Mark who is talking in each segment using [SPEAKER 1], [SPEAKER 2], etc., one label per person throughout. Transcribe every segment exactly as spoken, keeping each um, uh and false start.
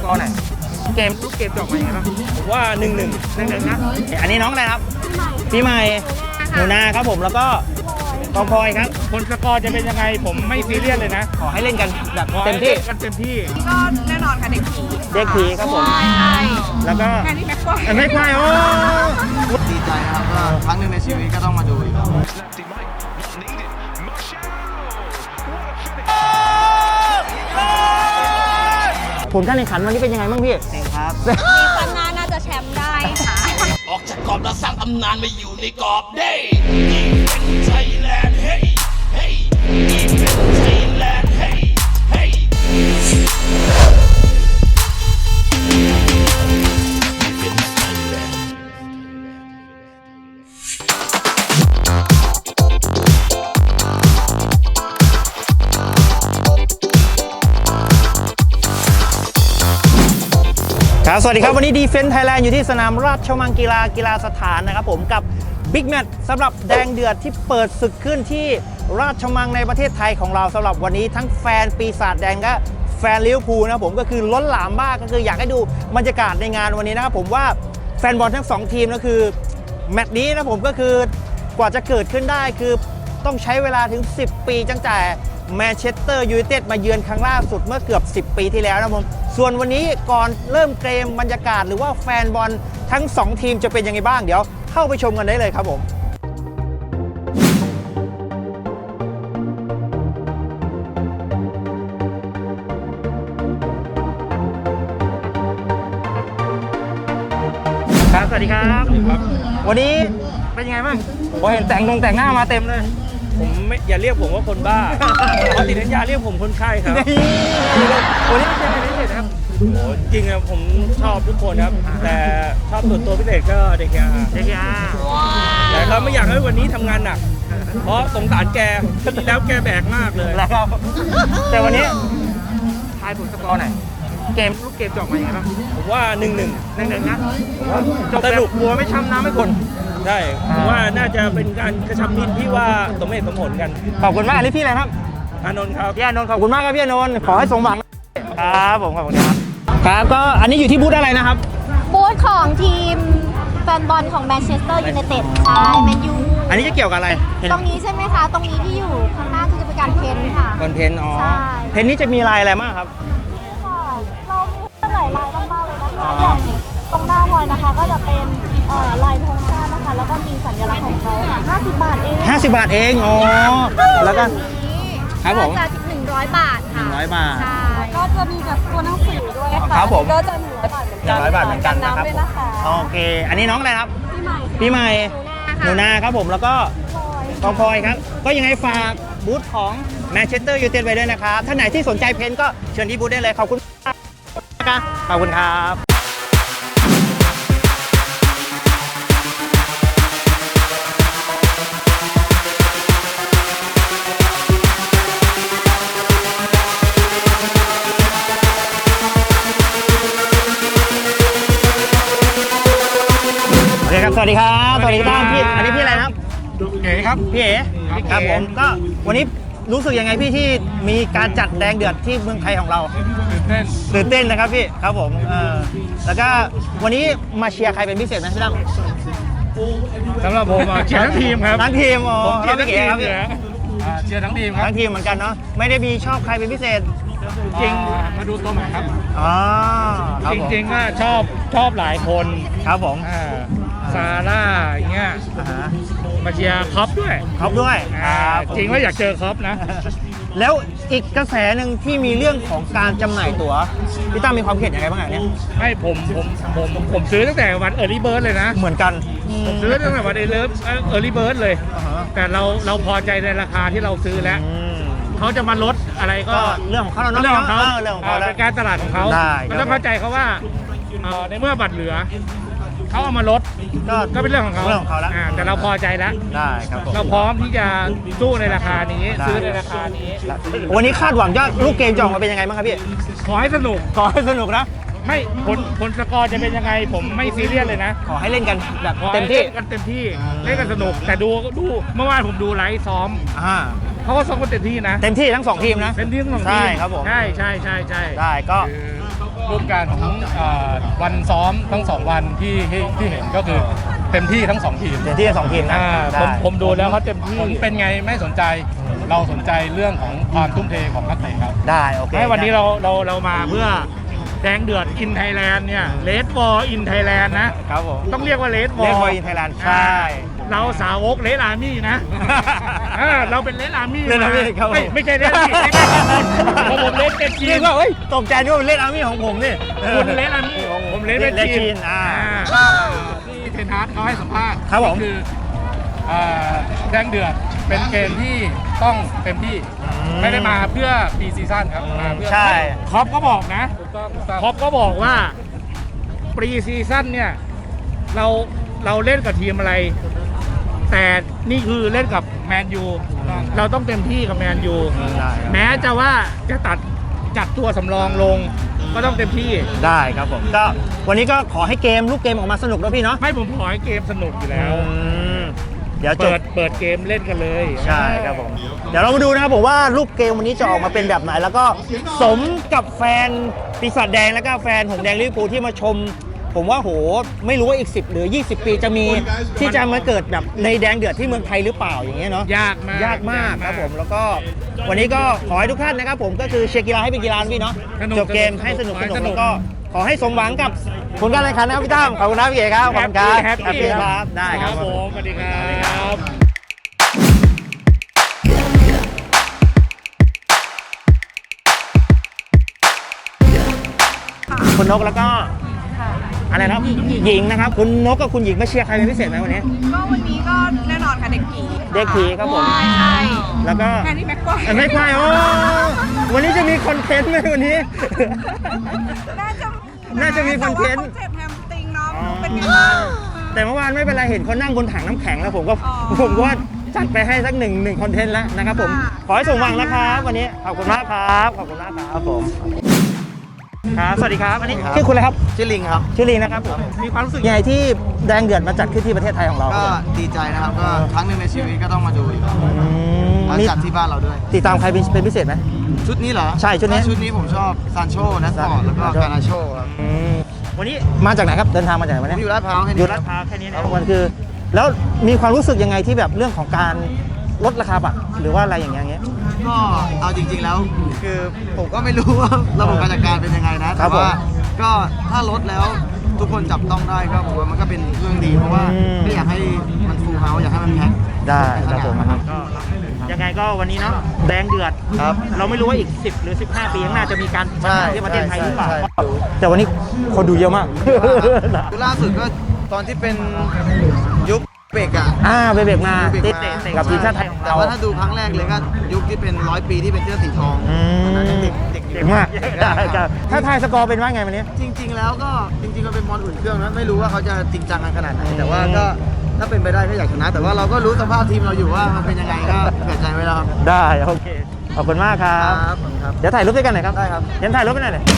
[SPEAKER 1] กอร์ไหนเกมลูกเกมจบมาอย่างไรบ้างผมว่าหนึ่งหนึ่งหนึ่งหนึ่งนะอันนี้น้องอะไรครับปีใหม่หนูนาครับผมแล้วก็กองพลอยครับผลสกอร์จะเป็นยังไงผมไม่ซีเรียสเลยนะขอให้เล่นกันแบบเต็มที่กันเต็มที่
[SPEAKER 2] ก็แน่นอนค่ะเด็กผี
[SPEAKER 1] เด็กผีครับผมแล้วก็
[SPEAKER 2] งานนี้แม็กควาย
[SPEAKER 1] แม็กควายโอ้
[SPEAKER 3] ดีใจนะครับก็ครั้งหนึ่งในชีวิตก็ต้องมาดูอีก
[SPEAKER 1] ผลการแข่งขันวันนี้เป็นยังไงบ้างพี่เก่งครับ
[SPEAKER 2] ซีซั่นหน้าน่าจะแชมป์ได้ค่ะ
[SPEAKER 4] ออกจากกรอบแล้วสร้างตำนานมาอยู่ในกรอบได้ยิงเป็นไทยแลนด์เฮ้ยเฮ้ยยิงเป็นไทยแลนด์เฮ้ยเฮ้ย
[SPEAKER 1] ครับสวัสดีครับวันนี้ดีเฟนส์ไทยแลนด์อยู่ที่สนามราชมังกีฬากีฬาสถานนะครับผมกับบิ๊กแมตช์สำหรับแดงเดือดที่เปิดศึกขึ้นที่ราชมังในประเทศไทยของเราสำหรับวันนี้ทั้งแฟนปีศาจแดงและแฟนลิเวอร์พูลนะผมก็คือล้นหลามมากก็คืออยากให้ดูบรรยากาศในงานวันนี้นะครับผมว่าแฟนบอลทั้งสองทีมก็คือแมตช์นี้นะผมก็คือกว่าจะเกิดขึ้นได้คือต้องใช้เวลาถึงสิบปีตั้งแต่แมนเชสเตอร์ยูไนเต็ดมาเยือนครั้งล่าสุดเมื่อเกือบสิบปีที่แล้วนะผมส่วนวันนี้ก่อนเริ่มเกมบรรยากาศหรือว่าแฟนบอลทั้งสองทีมจะเป็นยังไงบ้างเดี๋ยวเข้าไปชมกันได้เลยครับผมครับสวัสดีครับวันนี้เป็นยังไงบ้างผมเห็นแต่งลงแต่งหน้ามาเต็มเลย
[SPEAKER 5] ผมไม่อย่าเรียกผมว่าคนบ้าเพราะติดสัญญาเรียกผมคนไข้ครับ
[SPEAKER 1] วันนี้เป็นพิเศษครับ
[SPEAKER 5] โอ้จริงๆผมชอบทุกคนครับแต่ชอบส่วนตัวพิเศษก็เด็กยา
[SPEAKER 1] เด็กยา
[SPEAKER 5] แต่เราไม่อยากให้วันนี้ทำงานหนักเพราะสงสารแกที่แล้วแกแบกมากเลย
[SPEAKER 1] แล้วแต่วันนี้ทายผลสกอร์หน่อยเกมลูกเกมจบมาอย่างไรบ้าง
[SPEAKER 5] ผมว่าหนึ่งหนึ่ง
[SPEAKER 1] หนึ่งหนึ่งนะจบสนุกกลัวไม่ช้ำน้ำไม่คน
[SPEAKER 5] ใช่ผมว่าน่าจะเป็นการกระชับมิตรที่ว่าสมเหตุสมผลกัน
[SPEAKER 1] ขอบคุณมากนี่พี่อะไรครับ
[SPEAKER 5] อานนท์ครับ
[SPEAKER 1] พี่อานนท์ขอบคุณมากครับพี่อานนท์ขอให้สมหวังครับผมขอบคุณครับครับก็อันนี้อยู่ที่บูธอะไรนะครับ
[SPEAKER 2] บูธของทีมแฟนบอลของแมนเชสเตอร์ยูไนเต็ดใช่แมนยู
[SPEAKER 1] อันนี้จะเกี่ยวกับอะไร
[SPEAKER 2] ตรงนี้ใช่ไหมคะตรงนี้ที่อยู่ข้างหน้าคือจะเป็นการเพ้นท์ค่ะ
[SPEAKER 1] การเพ้นท์อ๋อเพ้นท์นี้จะมีลายอะไรบ้างครับ
[SPEAKER 2] เรามีหลายลายมากๆเลยนะคะอย่างตรงหน้าพลอยนะคะก็จะเป็นลายธงชาตินะคะแล้วก็มีสัญลักษณ์ของเขาค่ะห้าสิบบาทเอง
[SPEAKER 1] ห้าสิบบาทเองอ๋อแล้วก็
[SPEAKER 2] ครับผมจะหนึ่งร้อยบาทค่ะ
[SPEAKER 1] หนึ่งร้อยบาท
[SPEAKER 2] ใช่ก็จะมีแบบตัวหนังสือด้วยค่ะ
[SPEAKER 1] ครับผม
[SPEAKER 2] ก็จะหนึ่งร้อยบาทเหมือนกัน
[SPEAKER 1] หนึ่งร้อยบาทเหมือนกันนะครับโอเคอันนี้น้องอะไรครับ
[SPEAKER 2] ปีใหม่
[SPEAKER 1] ปีใหม่หนูนาครับผมแล้วก็กองพลอยครับก็ยังไงฝากบูธของแมนเชสเตอร์ยูไนเต็ดไว้ด้วยนะครับท่านไหนที่สนใจเพ้นท์ก็เชิญที่บูธได้เลยขอบคุณครับขอบคุณครับโอเคครับสวัสดีครับสวัสดีครับพี่อันนี้พี่อะไรครับ
[SPEAKER 5] เก๋ครับ
[SPEAKER 1] พี่เอ๋ครับผมก็วันนี้รู้สึกยังไงพี่ที่มีการจัดแดงเดือดที่เมืองไทยของเรา
[SPEAKER 5] ตื่นเต้น
[SPEAKER 1] ตื่นเต้นนะครับพี่ครับผมเออแล้วก็วันนี้มาเชียร์ใครเป็นพิเศษไหมพี่ตั้ม
[SPEAKER 5] สำหรับผมเชียร์ทั้งทีมครับ
[SPEAKER 1] ทั้งทีมอ๋อ
[SPEAKER 5] ผมเชียร์ทั้งทีม
[SPEAKER 1] ครับพี่
[SPEAKER 5] เชียร์ทั้งทีมครับ
[SPEAKER 1] ทั้งทีมเหมือนกันเนาะไม่ได้มีชอบใครเป็นพิเศษ
[SPEAKER 5] จริงมาดูตัวใหม่ครับ
[SPEAKER 1] อ๋อ
[SPEAKER 5] จริงๆก็ชอบชอบหลายคน
[SPEAKER 1] ครับผม
[SPEAKER 5] ซาร่าอย่างเงี้ยมาเชียร์คอปด้วย
[SPEAKER 1] คอปด้วย
[SPEAKER 5] จริงว่าอยากเจอคอปนะ
[SPEAKER 1] แล้วอีกกระแสหนึ่งที่มีเรื่องของการจำหน่ายตั๋วพี่ตั้มมีความเห็นยังไงบ้างเนี่ย
[SPEAKER 5] ไม่ผมผมผมผมซื้อตั้งแต่วันเออร์ลี่เบิร์ดเลยนะ
[SPEAKER 1] เหมือนกัน
[SPEAKER 5] ผมซื้อตั้งแต่วันเออร์ลี่เบิร์ดเลยแต่เราเราพอใจในราคาที่เราซื้อแล้วเขาจะมาลดอะไรก็
[SPEAKER 1] เรื่องของเขา
[SPEAKER 5] เรื่องของเขา
[SPEAKER 1] เรื่องของเขา
[SPEAKER 5] เป็นการตลาดของเขาเราต้องเข้าใจเขาว่าในเมื่อบัตรเหลือเขาเอามาลดก็เป็นเรื่องของเขา
[SPEAKER 1] เรื่องของเขาแล้ว
[SPEAKER 5] แต่เราพอใจแล้ว
[SPEAKER 1] ได้ครับ
[SPEAKER 5] เราพร้อมที่จะสู้ในราคานี้ซื้อในราคานี้
[SPEAKER 1] วันนี้คาดหวังยอดลูกเกมจะออกมาเป็นยังไงบ้างครับพี่
[SPEAKER 5] ขอให้สนุก
[SPEAKER 1] ขอให้สนุกนะ
[SPEAKER 5] ไม่ผลผลสกอร์จะเป็นยังไงผมไม่ซีเรียสเลยนะ
[SPEAKER 1] ขอให้เล่นกันแบบเต็มที่
[SPEAKER 5] กันเต็มที่เล่นกันสนุกแต่ดูดูเมื่อวานผมดูไลฟ์ซ้อมเขาก็ซ้อมกันเต็มที่นะ
[SPEAKER 1] เต็มที่ทั้งสองทีมนะ
[SPEAKER 5] เต็มที่ทั้งสองทีม
[SPEAKER 1] ใช่ครับผม
[SPEAKER 5] ใช่ใช่ใช่ใช่
[SPEAKER 1] ได้ก็
[SPEAKER 5] รูปการของเอ่อวันซ้อมทั้งสองวันที่ที่ที่เห็นก็คือเต็มที่ทั้งสองทีม
[SPEAKER 1] เดี๋ยวที่สองทีมนะ
[SPEAKER 5] อ่า
[SPEAKER 1] ได้
[SPEAKER 5] ผมผมดูแล้วเขาเต็มที่ผลเป็นไงไม่สนใจเราสนใจเรื่องของความทุ่มเทของนักเตะครับ
[SPEAKER 1] ได้โอเค
[SPEAKER 5] ให้วันนี้เราเราเรามาเพื่อแดงเดือดอินไทยแลนด์เนี่ยเลดบอลอินไทยแลนด์นะครับ
[SPEAKER 1] ผม
[SPEAKER 5] ต้องเรียกว่าเลดบอล
[SPEAKER 1] Red Ball in Thailand ใช่
[SPEAKER 5] เราสาวกเลดอาร์มี่นะ อ่าเราเป็นเลดอาร์มี่
[SPEAKER 1] Red Army ครับผม
[SPEAKER 5] ไม่ไม่ใช่เลดอาร์มี่เพราะผมเลดเป็นจี
[SPEAKER 1] เรีย
[SPEAKER 5] น
[SPEAKER 1] กว่าเฮ้ยตกใจนึกว่าเล่นอาร์มี่ของผมนี่
[SPEAKER 5] คุณเลดอาร์มี่ผมเลดเป็น
[SPEAKER 1] Red
[SPEAKER 5] จี
[SPEAKER 1] Jean
[SPEAKER 5] น
[SPEAKER 1] อ่า
[SPEAKER 5] อ่าที่เทนฮาร์ดเขาให้สัมภาษณ์
[SPEAKER 1] ครับผม
[SPEAKER 5] ก็คืออ่าแดงเดือดเป็นเกมที่ต้องเต็มที่ไม่ได้มาเพื่อปีซีซั่นครับมาเพื่อ
[SPEAKER 1] ใช่
[SPEAKER 5] ครอปก็บอกนะครอปก็บอกว่าปรีซีซั่นเนี่ยเราเราเล่นกับทีมอะไร แต่นี่คือเล่นกับแมนยูเราต้องเต็มที่กับแมนยู
[SPEAKER 1] ได้ครับ
[SPEAKER 5] แม้จะว่าจะตัดจัดตัวสำรองลงก็ต้องเต็มที่
[SPEAKER 1] ได้ครับผมก็วันนี้ก็ขอให้เกมลูกเกมออกมาสนุกด้วยพี่เนาะ
[SPEAKER 5] ไม่ผมขอให้เกมสนุกอยู่แล้ว
[SPEAKER 1] อืมเดี๋ยวจ
[SPEAKER 5] เปิ
[SPEAKER 1] บ
[SPEAKER 5] ดเปิดเกมเล่นกันเลย
[SPEAKER 1] ใช่ครับผม เดี๋ยวเรามาดูนะครับผมว่ารูปเกมวันนี้จะออกมาเป็นแบบไหน แล้วก็สมกับแฟนปีศาจแดงแล้วก็แฟนหงส์แดงลิเวอร์พูลที่มาชม ผมว่าโหไม่รู้ว่าอีกสิบหรือยี่สิบปีจะมีที่จะมาเกิดแบบในแดงเดือดที่เมืองไทยหรือเปล่าอย่างเงี้ยเนาะ
[SPEAKER 5] ยากมาก
[SPEAKER 1] ยากมากครับผมแล้วก็วันนี้ก็ขอให้ทุกท่านนะครับผมก็คือเชียร์กีฬาให้เป็นกีฬานะพี่เนาะ
[SPEAKER 5] สนุก
[SPEAKER 1] จบเกมให้สนุก
[SPEAKER 5] ขอ
[SPEAKER 1] ส
[SPEAKER 5] ให้
[SPEAKER 1] นุก
[SPEAKER 5] สนุก
[SPEAKER 1] แล้วก็ขอให้สมหวังกับผลการแข่งขันนะครับพี่ตั้มขอบคุณนะพี่เอกครับขอบคุณครับ
[SPEAKER 5] แฮปปี้
[SPEAKER 1] Happy ครับได้ครับ
[SPEAKER 5] ผมสวัสดีครับ
[SPEAKER 1] คุณนกแล้วก็อะไรนะครับหญิงนะครับคุณนกกับคุณหญิงมาเชียร์ใครเป็นพิเศษไหมวันนี้
[SPEAKER 6] ก็วันนี้ก็แน่นอนค่ะเด็กผี
[SPEAKER 1] เด็กผีครับผม
[SPEAKER 6] ใช่ใช่
[SPEAKER 1] แล้วก็
[SPEAKER 6] แค่นี้แม็กควาย
[SPEAKER 1] เอ้ยไม่ใช่โอ้วันนี้จะมีคอนเทนต์ไหมวันนี้
[SPEAKER 6] น่าจะ
[SPEAKER 1] น่าจะมีคอนเทนต์
[SPEAKER 6] แต่ว่าขาเจ็บแฮมสตริงเนาะ
[SPEAKER 1] อ๋อ
[SPEAKER 6] เป็นไงบ้าง
[SPEAKER 1] แต่เมื่อวานไม่เป็นไรเห็นเขานั่งบนถังน้ำแข็งแล้วผมก็
[SPEAKER 6] อ๋อ
[SPEAKER 1] ผมก็ว่าจัดไปให้สักหนึ่งหนึ่งคอนเทนต์แล้วนะครับผม
[SPEAKER 6] ค่ะ
[SPEAKER 1] ขอให้สมหวังนะครับวันนี้ขอบคุณมากครับขอบคุณมากครับผมครับสวัสดีครับอันนี้ชื่อคุณอะไรครับ
[SPEAKER 3] ชื่อลิงครับ
[SPEAKER 1] ชื่อลีนะครับผมมีความรู้สึกยังไงที่แดงเดือดมาจัดขึ้นที่ประเทศไทยของเรา
[SPEAKER 3] ก็ดีใจนะครับ ก็ครั้งหนึ่งในชีวิตก็ต้องมาดูอีก
[SPEAKER 1] อืม
[SPEAKER 3] มา
[SPEAKER 1] มี
[SPEAKER 3] จัดที่บ้านเราด้วย
[SPEAKER 1] ติดตามใครเป็นเป็นพิเศษไหม
[SPEAKER 3] ชุดนี้เหรอ
[SPEAKER 1] ใช่ชุดนี้
[SPEAKER 3] ก็ชุดนี้ผมชอบซานโชนัสปอร์ตแล้วก็การนาโชครับ
[SPEAKER 1] อืมวันนี้มาจากไหนครับเดินทางมาจากไหนวัน
[SPEAKER 3] ผม
[SPEAKER 1] นี้
[SPEAKER 3] อยู่ลาดพร้าวแค่
[SPEAKER 1] อ
[SPEAKER 3] นี้
[SPEAKER 1] ยู่ลาดพร้าวแค่นี้นะมันคือ แล้วมีความรู้สึกยังไงที่แบบเรื่องของการลดราคาบัตรหรือว่าอะไรอย่างเงี้ยอย่างเงี้ย
[SPEAKER 3] ก็เอาจริง ๆ แล้ว คือผมก็ไม่รู้ว่าระบบการจัดการเป็นยังไงนะ
[SPEAKER 1] ครั
[SPEAKER 3] แต่
[SPEAKER 1] บผม
[SPEAKER 3] ว่าก็ถ้าลดแล้วทุกคนจับต้องได้ก็ผมว่ามันก็เป็นเรื่องดีเพราะว่า
[SPEAKER 1] อืม
[SPEAKER 3] ไม่อยากให้มันฟูลเฮาส์อยากให้มันแพ็ค
[SPEAKER 1] ได้ครับผมนะครับก็ยังไงก็วันนี้เนาะแดงเดือด
[SPEAKER 3] ครับ
[SPEAKER 1] เราไม่รู้ว่าอีกสิบหรือสิบห้าปีข้างหน้าจะมีการ
[SPEAKER 3] ใช่
[SPEAKER 1] ที่ประเทศไทยหรือเปล่า
[SPEAKER 3] ใช่ใช่
[SPEAKER 1] แต่วันนี้คนดูเยอะมาก
[SPEAKER 3] ล่าสุดก็ตอนที่เป็นยุคเบรกอะ
[SPEAKER 1] อ่าไปเบรกมา
[SPEAKER 3] เบรก
[SPEAKER 1] ติด
[SPEAKER 3] มา
[SPEAKER 1] เตะเตะกับทีมชาติไทยของ
[SPEAKER 3] แต่
[SPEAKER 1] เรา
[SPEAKER 3] ว่าถ้าดูครั้งแรกเลยก็ยุคที่เป็นร้อยปีที่เป็นเสื้อสีทอง
[SPEAKER 1] อื
[SPEAKER 3] อันนั้น
[SPEAKER 1] ม
[SPEAKER 3] ยังเด็กเด็ก
[SPEAKER 1] เก่งมากได้ครับถ้าทายสกอร์เป็นว่าไงวันนี้
[SPEAKER 3] จริง ๆ แล้วก็จริงๆมันเป็นบอลอุ่นเครื่องนะไม่รู้ว่าเขาจะจริงจังกันขนาดไหนแต่ว่าก็ถ้าเป็นไปได้ก็อยากชนะ แต่ว่าเราก็รู้สภาพทีมเราอยู่ว่ามันเป็นยังไงก็เผื่อใจไว้แล้วครับ
[SPEAKER 1] ได้โอเคขอบคุณมากครับ
[SPEAKER 3] ครับครับ
[SPEAKER 1] เดี๋ยวถ่ายรูปด้วยกันหน่อยครับ
[SPEAKER 3] ได้ครับ
[SPEAKER 1] เดี๋ยวถ่ายรูปไปหน่อยเลย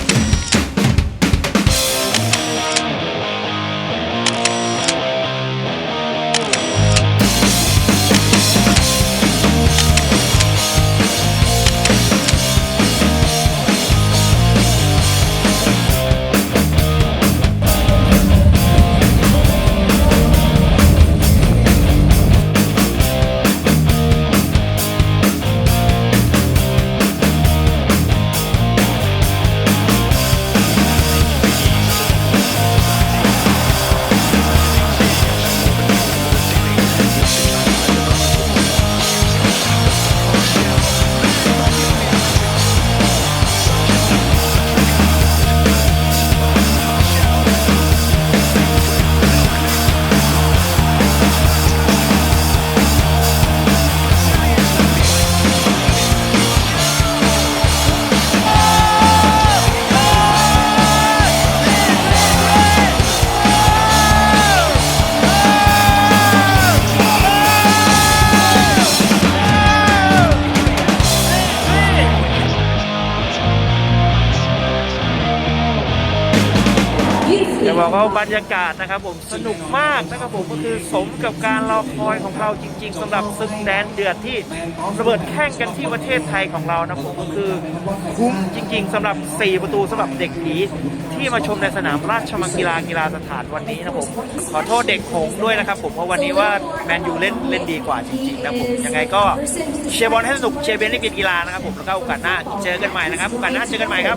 [SPEAKER 1] จะบอกว่าบรรยากาศนะครับผมสนุกมากนะครับผมก็คือสมกับการรอคอยของเราจริง ๆสำหรับศึกแดนเดือดที่ระเบิดแข่งกันที่ประเทศไทยของเรานะผมก็คือคุ้มจริง ๆสำหรับสี่ประตูสำหรับเด็กผีที่มาชมในสนามราชมังกีฬากีฬาสถานวันนี้นะผมขอโทษเด็กหงส์ด้วยนะครับผมเพราะวันนี้ว่าแมนยูเล่นเล่นดีกว่าจริงๆนะผมยังไงก็เชียร์บอลให้สนุกเชียร์เบนให้เป็นกีฬานะครับผมแล้วก็โอกาสหน้าเจอกันใหม่นะครับโอกาสหน้าเจอกันใหม่ครับ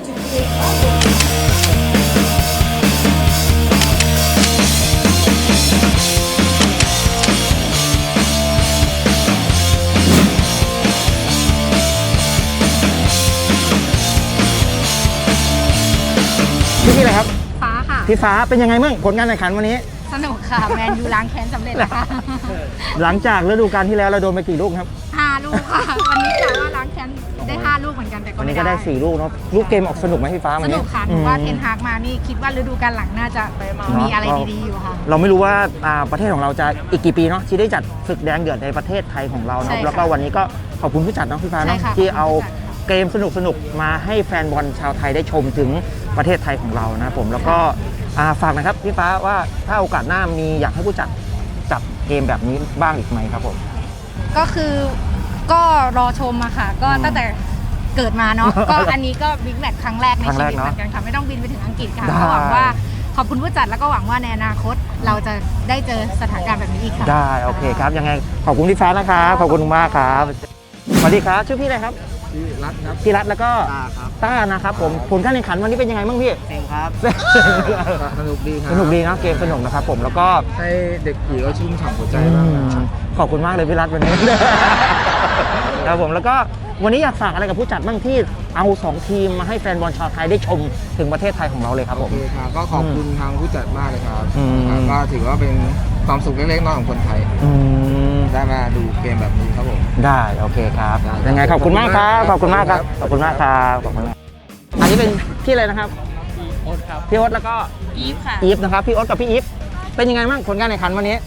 [SPEAKER 1] พี่ชื่ออะไรครับ
[SPEAKER 7] ฟ้าค่ะ
[SPEAKER 1] พี่ฟ้าเป็นยังไงบ้างผลการแข่งขันวันนี้
[SPEAKER 7] สนุกค่ะ แมนยูล้างแค้นสำเร็จแล้วค่ะ
[SPEAKER 1] หลังจากฤดูกาลที่แล้วเราโดนไปกี่ลูกครับ
[SPEAKER 7] ห้าลูกค่ะ วันนี้กะว่าล้างแค้นได้ห้าลูกเหมือนกันแต่ก็
[SPEAKER 1] วัน
[SPEAKER 7] ไม่
[SPEAKER 1] นี้ก็ได้สี่ลูกเนาะลูกเกมออกสนุกไหมพี่ฟ้า
[SPEAKER 7] ส
[SPEAKER 1] วันนี้
[SPEAKER 7] นุกค่ะหนูว่าเทนฮากมานี่คิดว่าฤดูกาลหลังน่าจะมีอะไรดีๆอยู่ค่ะ
[SPEAKER 1] เราไม่รู้ว่าอ่าประเทศของเราจะอีกกี่ปีเนาะที่ได้จัดศึกแดงเดือดในประเทศไทยของเรา
[SPEAKER 7] ใช่
[SPEAKER 1] เนาะ
[SPEAKER 7] ค่ะ
[SPEAKER 1] แล้วก็วันนี้ก็ขอบคุณผู้จัดเนาะพี่ฟ้าเนาะ
[SPEAKER 7] ใช่ค่ะ
[SPEAKER 1] ที่เอา
[SPEAKER 7] ขอบคุณผู้จัด
[SPEAKER 1] เกมสนุกๆมาให้แฟนบอลชาวไทยได้ชมถึงประเทศไทยของเรานะครับผมแล้วก็อ่าฝากนะครับพี่ฟ้าว่าถ้าโอกาสหน้ามีอยากให้ผู้จัดจัดเกมแบบนี้บ้างอีกไหมครับผม
[SPEAKER 7] ก็คือก็รอชมอะค่ะ ก็
[SPEAKER 1] อืม
[SPEAKER 7] ตั้งแต่เกิดมาเนาะ ก็อันนี้ก็บิ๊กแมตช์ครั้งแรกใน
[SPEAKER 1] ครั้ง
[SPEAKER 7] ชี
[SPEAKER 1] แรก
[SPEAKER 7] วิต
[SPEAKER 1] เนอะ
[SPEAKER 7] เหมือนกันค่ะไม่ต้องบินไปถึงอังกฤษค่ะ
[SPEAKER 1] ได้
[SPEAKER 7] ก็หวังว่าขอบคุณผู้จัดแล้วก็หวังว่าในอนาคตเราจะได้เจอสถานการณ์แบบนี้อีกค่ะ
[SPEAKER 1] ได้โอเคครับยังไงขอบคุณพี่ฟ้านะครับขอบคุณมากครับสวัสดีครับชื่อพี่อะไรครับ
[SPEAKER 3] พี่รัฐครับ
[SPEAKER 1] พี่รัตแล้วก็
[SPEAKER 3] ตาครับ
[SPEAKER 1] ต้านะครับผมผลการแข่งขันวันนี้เป็นยังไงบ้างพี่
[SPEAKER 3] เซมครับ สนุกดีครับ
[SPEAKER 1] สนุกดีนะเกมสนุกนะครับผมแล้วก็
[SPEAKER 3] ให้เด็กผีเขาชุ่มฉ่ำหัวใจ
[SPEAKER 1] อื
[SPEAKER 3] บ้าง
[SPEAKER 1] ม
[SPEAKER 3] นะ
[SPEAKER 1] ขอบคุณมากเลยพี่รัตวันนี้ ครับผมแล้วก็วันนี้อยากฝากอะไรกับผู้จัดบ้างที่เอาสองทีมมาให้แฟนบอลชาวไทยได้ชมถึงประเทศไทยของเราเลยครับผ
[SPEAKER 3] โอ
[SPEAKER 1] ม
[SPEAKER 3] เคครับก็ขอบคุณทางผู้จัดมากเลยครับ
[SPEAKER 1] อืม
[SPEAKER 3] ครับก็ถือว่าเป็นความสุขเล็กๆน้อยๆของคนไทย
[SPEAKER 1] อืม
[SPEAKER 3] ได้มาดูเกมแบบนี้ครับผม
[SPEAKER 1] ได้โอเคครับ
[SPEAKER 3] ได้
[SPEAKER 1] ยังไงขอบคุณมากครับข
[SPEAKER 3] ข
[SPEAKER 1] อ
[SPEAKER 3] อ
[SPEAKER 1] บบ
[SPEAKER 3] คุ
[SPEAKER 1] คุณ
[SPEAKER 3] ณ
[SPEAKER 1] มาม
[SPEAKER 3] าก ก
[SPEAKER 1] ค
[SPEAKER 3] ครั
[SPEAKER 1] รับบ ขอบคุณมากครับขอบคุณมากอันนี้เป็นพี่อะไรนะครับพี่โอ๊ตแล้วก็
[SPEAKER 7] อีฟค่ะ
[SPEAKER 1] อีฟนะครับพี่โอ๊ตกับพี่อีฟเป็นยังไงบ้างผลการแข่งขันวันนี้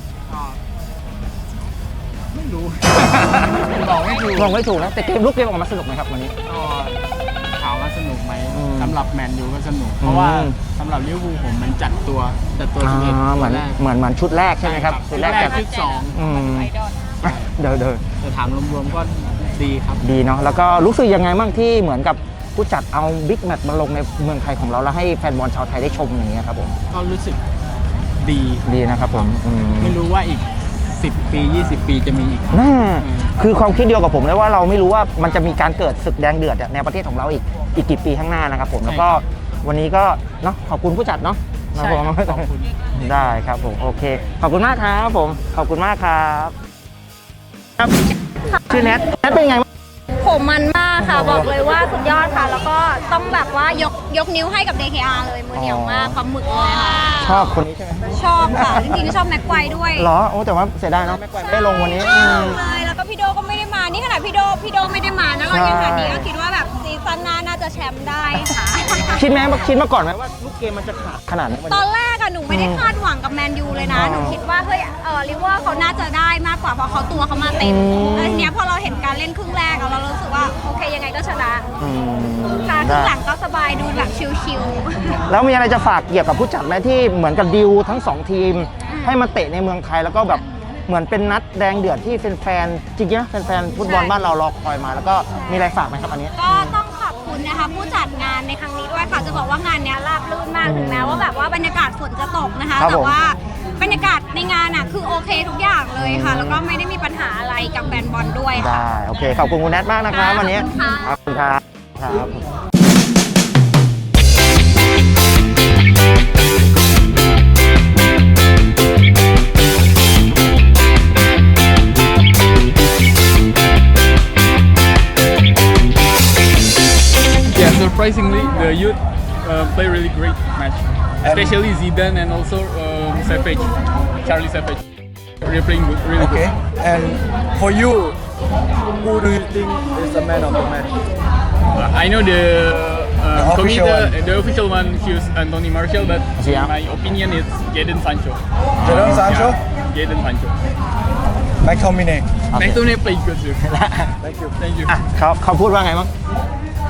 [SPEAKER 3] ไม่รู้ บอกไม่ถูก
[SPEAKER 1] บอกไม่ถูกนะแต่เกมลูกเกมออกมาสนุกไหมครับวันนี้
[SPEAKER 8] ก็ถามว่าสนุกไหม
[SPEAKER 1] อืม
[SPEAKER 8] สำหรับแมนยูก็สนุก เพราะว่า
[SPEAKER 1] อืม
[SPEAKER 8] สำหรับลิเวอร์พูลผมมันจัดตัวจัดตัว
[SPEAKER 1] อ่า
[SPEAKER 8] สิบเอ็ด
[SPEAKER 1] เหมือน
[SPEAKER 8] แรก
[SPEAKER 1] เหมือนเหมือนชุดแรกใช่ไหมครับชุดแรก
[SPEAKER 8] แร
[SPEAKER 1] จั
[SPEAKER 8] ก
[SPEAKER 1] ด
[SPEAKER 8] ชุดสอง
[SPEAKER 1] อืมเดี๋ยวเดี๋ยว
[SPEAKER 8] แต่ถามรวมๆก็ดีครับ
[SPEAKER 1] ดีเนาะแล้วก็รู้สึกยังไงบ้างที่เหมือนกับผู้จัดเอาบิ๊กแมตช์มาลงในเมืองไทยของเราแล้วให้แฟนบอลชาวไทยได้ชมอย่างเงี้ยครับผม
[SPEAKER 8] ก็รู้สึกดี
[SPEAKER 1] ดีนะครับผมอืม
[SPEAKER 8] ไม่รู้ว่าอีกสิบปียี่สิบปีจะมีอีก
[SPEAKER 1] น่า
[SPEAKER 8] อืม
[SPEAKER 1] คือความคิดเดียวกับผมเลยว่าเราไม่รู้ว่ามันจะมีการเกิดศึกแดงเดือดในประเทศของเราอีกอีกกี่ปีข้างหน้านะครับผมแล้วก็วันนี้ก็เนาะขอบคุณผู้จัดเนาะ
[SPEAKER 8] ใช่
[SPEAKER 1] นะผม
[SPEAKER 8] ครับขอบคุณ
[SPEAKER 1] ได้ครับผมโอเค ขอบคุณมากครับผมขอบคุณมากครับครับชื่อแนทแนทเป็นยังไงบ้าง
[SPEAKER 2] ผมมันมากค่ะ บอกเลยว่าสุดยอดค่ะ แล้วก็ต้องแบบว่ายกยกนิ้วให้กับ ดี เค อาร์ เลยมือเหนียวมากความหมึกเลยค่ะ
[SPEAKER 1] ชอบคนนี้ใช่ไหม
[SPEAKER 2] ชอบค่ะ จริงๆชอบแม็กไกวด้วย
[SPEAKER 1] เหรอโอ้แต่ว่าเสียดายเนาะไม่ได้ลงวันนี้
[SPEAKER 2] ช
[SPEAKER 1] อื
[SPEAKER 2] อบ
[SPEAKER 1] ม
[SPEAKER 2] เลยแล้วก็พี่โดก็ไม่ได้มา นี่ขนาดพี่โดพี่โดไม่ได้มานะเรายังหาดีก็คิดว่าแบบซีซั่นหน้าน่าจะแชมป์ได้ค่ะ
[SPEAKER 1] คิดไหมคิดมาก่อนไหมว่าลูกเกมมันจะขาดขนาดนี้วัน
[SPEAKER 2] ตอ
[SPEAKER 1] นี้
[SPEAKER 2] นแรกอะหนูไม่ได้คาดหวังกับแมนยูเลยนะ
[SPEAKER 1] อ๋อ
[SPEAKER 2] หนูคิดว่าเฮ้ยเออลิเวอร์เขาน่าจะได้มากกว่าเพราะเขาตัวเขามาเต็ม
[SPEAKER 1] อืม
[SPEAKER 2] แล้วทีเนี้ยพอเราเห็นการเล่นครึ่งแรกอะเรารู้สึกว่าโอเคยังไงก็ชนะ
[SPEAKER 1] อืม
[SPEAKER 2] ค่ะครึ่
[SPEAKER 1] ได้
[SPEAKER 2] งหลังก็สบายดูแบบชิลๆ
[SPEAKER 1] แล้วมีอะไรจะฝากเกี่ยวกับผู้จัดไหมที่เหมือนกับดิวทั้งสองทีม ให้มาเตะในเมืองไทยแล้วก็แบบเหมือนเป็นนัดแดงเดือดที่แฟนๆจริงๆนะแฟนๆฟุตบอลบ้านเรารอคอยมา แล้วก็มีอะไรฝากไหมครับอันนี้
[SPEAKER 2] ก็ต้องขอบคุณนะคะผู้จัดงานในครั้งนี้ด้วยค่ะจะบอกว่างานเนี้ยราบรื่นมากถึงแม้ว่าแบบว่าบรรยากาศฝนจะตกนะคะ
[SPEAKER 1] ครับ
[SPEAKER 2] แต่
[SPEAKER 1] ผม
[SPEAKER 2] ว่าบรรยากาศในงานอ่ะคือโอเคทุกอย่างเลยค่ะ แล้วก็ไม่ได้มีปัญหาอะไรกับแฟนบอลด้วยค่ะ
[SPEAKER 1] ได้โอเคขอบคุณคุณแนทมากนะครับ
[SPEAKER 2] ค่ะ
[SPEAKER 1] วันนี้
[SPEAKER 2] ขอบคุณค่ะ
[SPEAKER 1] ขอบคุณครับครับ
[SPEAKER 9] Yeah, surprisingly, the youth uh, play really great match, especially Zidane and also um, Savage, Charlie Savage. They're playing good, really
[SPEAKER 3] Okay.
[SPEAKER 9] good.
[SPEAKER 3] And for you, who do you think is the man of the match?
[SPEAKER 9] Uh, I know the, uh,
[SPEAKER 3] The official
[SPEAKER 9] committee-
[SPEAKER 3] one.
[SPEAKER 9] the official one choose Anthony Martial, but
[SPEAKER 1] Yeah.
[SPEAKER 9] in my opinion, it's Jadon Sancho.
[SPEAKER 3] Jadon Sancho?
[SPEAKER 9] Yeah, Jadon Sancho.
[SPEAKER 3] McTominay.
[SPEAKER 1] โอเค
[SPEAKER 9] McTominay played good too.
[SPEAKER 3] Thank you.
[SPEAKER 9] Thank you.
[SPEAKER 1] อ่ะเขาเขาพูดว่าไงบ้าง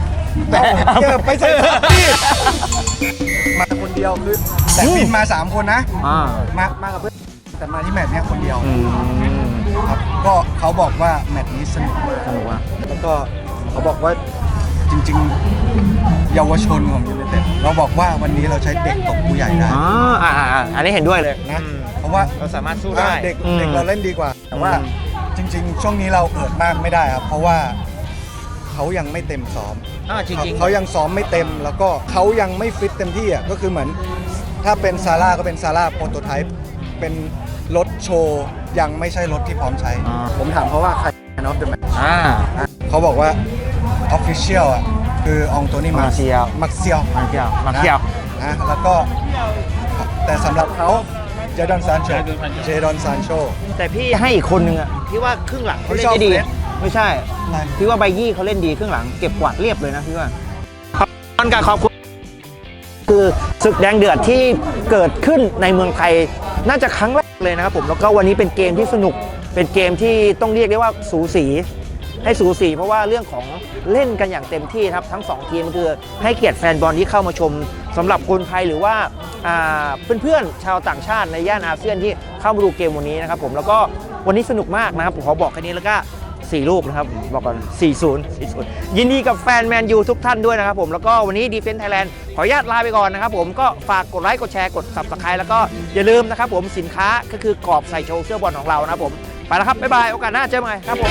[SPEAKER 1] แต่
[SPEAKER 3] เจอไปใส่ที่มาคนเดียวคือแต่บินมาสามคนนะ
[SPEAKER 1] อ่า
[SPEAKER 3] มามากับเพื่อนแต่มาที่แมตช์เนี้ยคนเดียว
[SPEAKER 1] อืม
[SPEAKER 3] ครับก็เขาบอกว่าแมตช์นี้สนุกมาก
[SPEAKER 1] สนุกว่ะ
[SPEAKER 3] แล้วก็เขาบอกว่าจริงๆ เยาวชนของยูไนเต็ดเราบอกว่าวันนี้เราใช้เด็กตบผู้ใหญ่ได้
[SPEAKER 1] อ๋ออ่าอ่าอ่าอันนี้เห็นด้วยเลย
[SPEAKER 3] นะเพราะว่า
[SPEAKER 1] เราสามารถสู้ได้
[SPEAKER 3] เด็ก
[SPEAKER 1] อืม
[SPEAKER 3] เด็กเราเล่นดีกว่า แต่ว่า
[SPEAKER 1] อืม
[SPEAKER 3] จริง ๆ ช่วงนี้เราเอิดมากไม่ได้ครับ เพราะว่าเขายังไม่เต็มซ้อม
[SPEAKER 1] อ่าจริงๆ
[SPEAKER 3] เขายังซ้อมไม่เต็ม แล้วก็เขายังไม่ฟิตเต็มที่อ่ะก็คือเหมือนถ้าเป็นซาร่าก็เป็นซาร่าโปรโตไทป์เป็นรถโชว์ยังไม่ใช่รถที่พร้อมใช้
[SPEAKER 1] อ่า
[SPEAKER 3] ผมถามเขาว่าใคร Man of the Match
[SPEAKER 1] อ่า
[SPEAKER 3] เขาบอกว่า Official อ่ะคือองโตนี่มา
[SPEAKER 1] Martial
[SPEAKER 3] มักเซียว
[SPEAKER 1] มาเที่ยวมาเที่ยว
[SPEAKER 3] นะแล้วก็แต่สำหรับเขาเจดอนซานโชเจดอนซานโช
[SPEAKER 1] แต่พี่ให้อีกคนนึงอะพี่ว่าครึ่งหลังเขาเล่นได้ดี
[SPEAKER 3] ไม่ชอบเฟส
[SPEAKER 1] ไม่ใช่
[SPEAKER 3] อะไร
[SPEAKER 1] พี่ว่าไบยี่เขาเล่นดีครึ่งหลังเก็บกวาดเรียบเลยนะพี่ว่าขอบคุณการขอบคุณคือศึกแดงเดือดที่เกิดขึ้นในเมืองไทยน่าจะครั้งแรกเลยนะครับผมแล้วก็วันนี้เป็นเกมที่สนุกเป็นเกมที่ต้องเรียกได้ว่าสูสีให้สูสีเพราะว่าเรื่องของเล่นกันอย่างเต็มที่ครับทั้งสองทีมคือให้เกียรติแฟนบอลที่เข้ามาชมสำหรับคนไทยหรือว่าอ่าเพื่อนๆชาวต่างชาติในย่านอาเซียนที่เข้ามาดูเกมวันนี้นะครับผมแล้วก็วันนี้สนุกมากนะครับผมขอบอกแค่นี้แล้วก็สี่ลูกนะครับบอกก่อนสี่ศูนย์ สี่ศูนย์ยินดีกับแฟนแมนยูทุกท่านด้วยนะครับผมแล้วก็วันนี้ Defense Thailand ขออนุญาตลาไปก่อนนะครับผมก็ฝากกดไลค์กดแชร์กด Subscribe แล้วก็อย่าลืมนะครับผมสินค้าก็คือกรอบใส่โชว์เสื้อบอลของเรานะครับผมไปแล้วครับบ๊ายบายโอกาสหน้าเจอกันใหม่ครับผม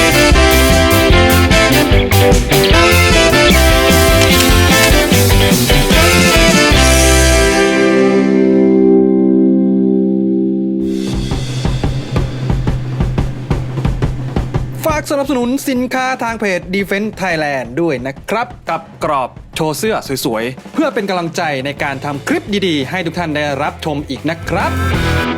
[SPEAKER 10] ฝากสนับสนุนสินค้าทางเพจ Defense Thailand ด้วยนะครับ กับกรอบโชว์เสื้อสวยๆ เพื่อเป็นกำลังใจในการทำคลิปดีๆ ให้ทุกท่านได้รับชมอีกนะครับ